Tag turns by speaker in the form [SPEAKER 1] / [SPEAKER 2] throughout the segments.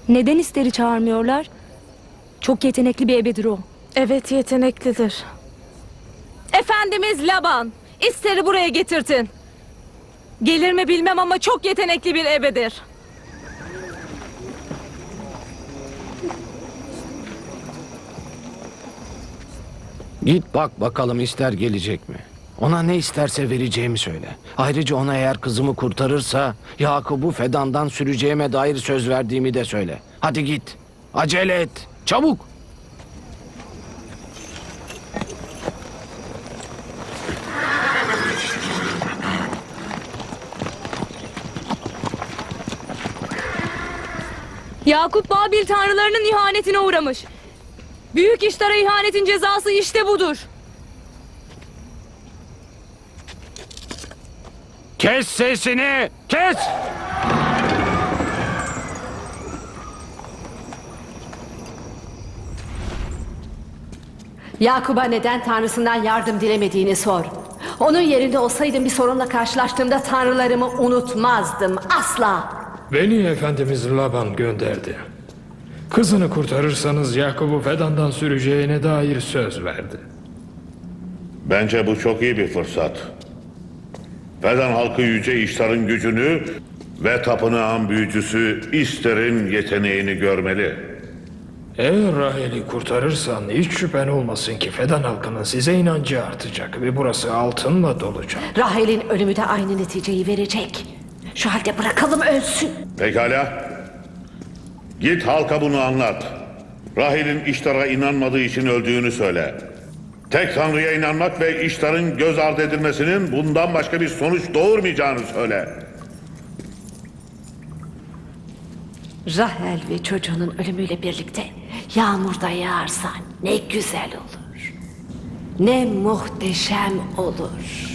[SPEAKER 1] Neden İster'i çağırmıyorlar? Çok yetenekli bir ebedir o.
[SPEAKER 2] Evet, yeteneklidir. Efendimiz Laban, İster'i buraya getirtin. Gelir mi bilmem ama çok yetenekli bir ebedir.
[SPEAKER 3] Git bak bakalım İster gelecek mi? Ona ne isterse vereceğimi söyle. Ayrıca ona eğer kızımı kurtarırsa Yakup'u Fedan'dan süreceğime dair söz verdiğimi de söyle. Hadi git. Acele et. Çabuk.
[SPEAKER 1] Yakup Babil tanrılarının ihanetine uğramış. Büyük İştar'a ihanetin cezası işte budur.
[SPEAKER 3] Kes sesini. Kes.
[SPEAKER 4] Yakup'a neden Tanrısından yardım dilemediğini sor. Onun yerinde olsaydım bir sorunla karşılaştığımda tanrılarımı unutmazdım. Asla.
[SPEAKER 5] Beni Efendimiz Laban gönderdi. Kızını kurtarırsanız Yakup'u Fedan'dan süreceğine dair söz verdi.
[SPEAKER 6] Bence bu çok iyi bir fırsat. Fedan halkı Yüce İştar'ın gücünü ve tapınağın büyücüsü İster'in yeteneğini görmeli.
[SPEAKER 5] Eğer Rahel'i kurtarırsan hiç şüphen olmasın ki Fedan halkının size inancı artacak ve burası altınla dolacak.
[SPEAKER 4] Rahel'in ölümü de aynı neticeyi verecek. Şu halde bırakalım ölsün.
[SPEAKER 6] Pekala. Git halka bunu anlat. Rahel'in İştar'a inanmadığı için öldüğünü söyle. Tek Tanrı'ya inanmak ve İştar'ın göz ardı edilmesinin bundan başka bir sonuç doğurmayacağını söyle.
[SPEAKER 4] Rahel ve çocuğunun ölümüyle birlikte yağmur da yağarsa ne güzel olur. Ne muhteşem olur.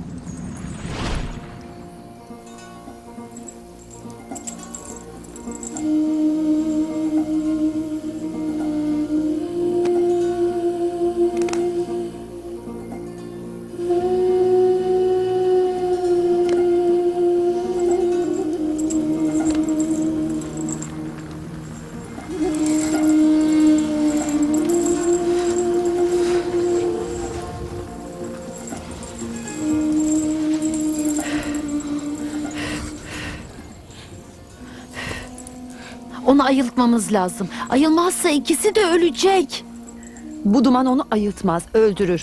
[SPEAKER 7] Onu ayıltmamız lazım. Ayılmazsa ikisi de ölecek.
[SPEAKER 8] Bu duman onu ayıltmaz, öldürür.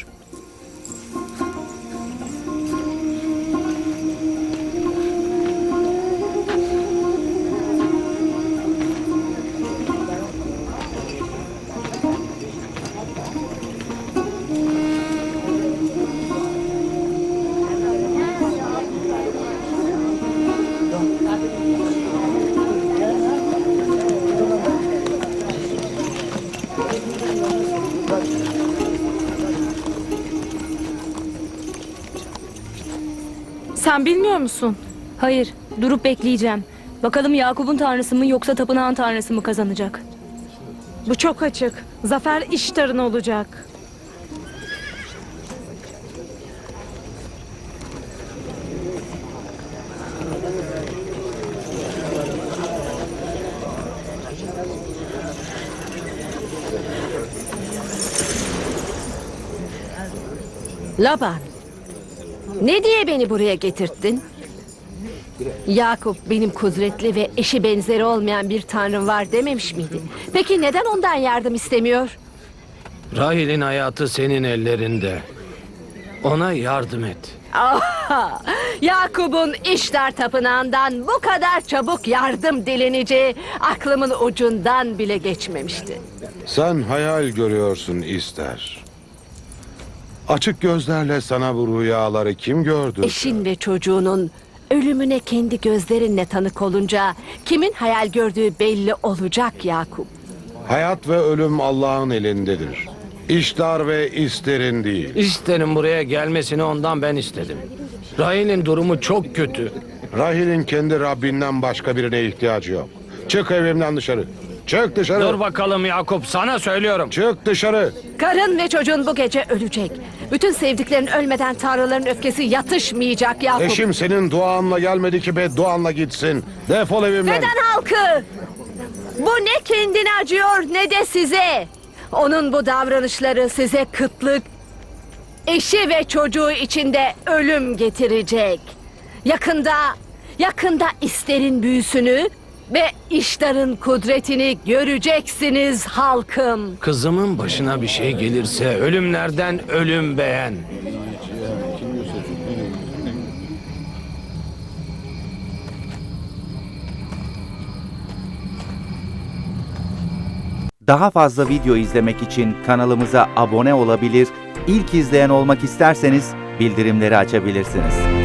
[SPEAKER 2] Sen bilmiyor musun?
[SPEAKER 1] Hayır, durup bekleyeceğim. Bakalım Yakup'un tanrısı mı yoksa tapınağın tanrısı mı kazanacak?
[SPEAKER 2] Bu çok açık. Zafer İştar'ın olacak.
[SPEAKER 4] Laban, ne diye beni buraya getirttin? Yakup benim kudretli ve eşi benzeri olmayan bir tanrım var dememiş miydi? Peki neden ondan yardım istemiyor?
[SPEAKER 3] Rahel'in hayatı senin ellerinde. Ona yardım et.
[SPEAKER 4] Aha, Yakup'un İştar tapınağından bu kadar çabuk yardım dileneceği aklımın ucundan bile geçmemişti.
[SPEAKER 9] Sen hayal görüyorsun İster. Açık gözlerle sana bu rüyaları kim gördü?
[SPEAKER 4] Eşin ve çocuğunun ölümüne kendi gözlerinle tanık olunca kimin hayal gördüğü belli olacak Yakup.
[SPEAKER 9] Hayat ve ölüm Allah'ın elindedir. İştar ve İster'in değil.
[SPEAKER 3] İster'in buraya gelmesini ondan ben istedim. Rahel'in durumu çok kötü.
[SPEAKER 9] Rahel'in kendi Rabbinden başka birine ihtiyacı yok. Çık evimden dışarı. Çık dışarı.
[SPEAKER 3] Dur bakalım Yakup, sana söylüyorum.
[SPEAKER 9] Çık dışarı.
[SPEAKER 4] Karın ve çocuğun bu gece ölecek. Bütün sevdiklerin ölmeden tanrıların öfkesi yatışmayacak Yakup.
[SPEAKER 9] Eşim senin duanla gelmedi ki bedduanla gitsin. Defol evimden.
[SPEAKER 4] Neden halkı? Bu ne kendine acıyor ne de size. Onun bu davranışları size kıtlık, eşi ve çocuğu içinde ölüm getirecek. Yakında İster'in büyüsünü ve İştar'ın kudretini göreceksiniz halkım.
[SPEAKER 3] Kızımın başına bir şey gelirse ölümlerden ölüm beğen.
[SPEAKER 10] Daha fazla video izlemek için kanalımıza abone olabilir, ilk izleyen olmak isterseniz bildirimleri açabilirsiniz.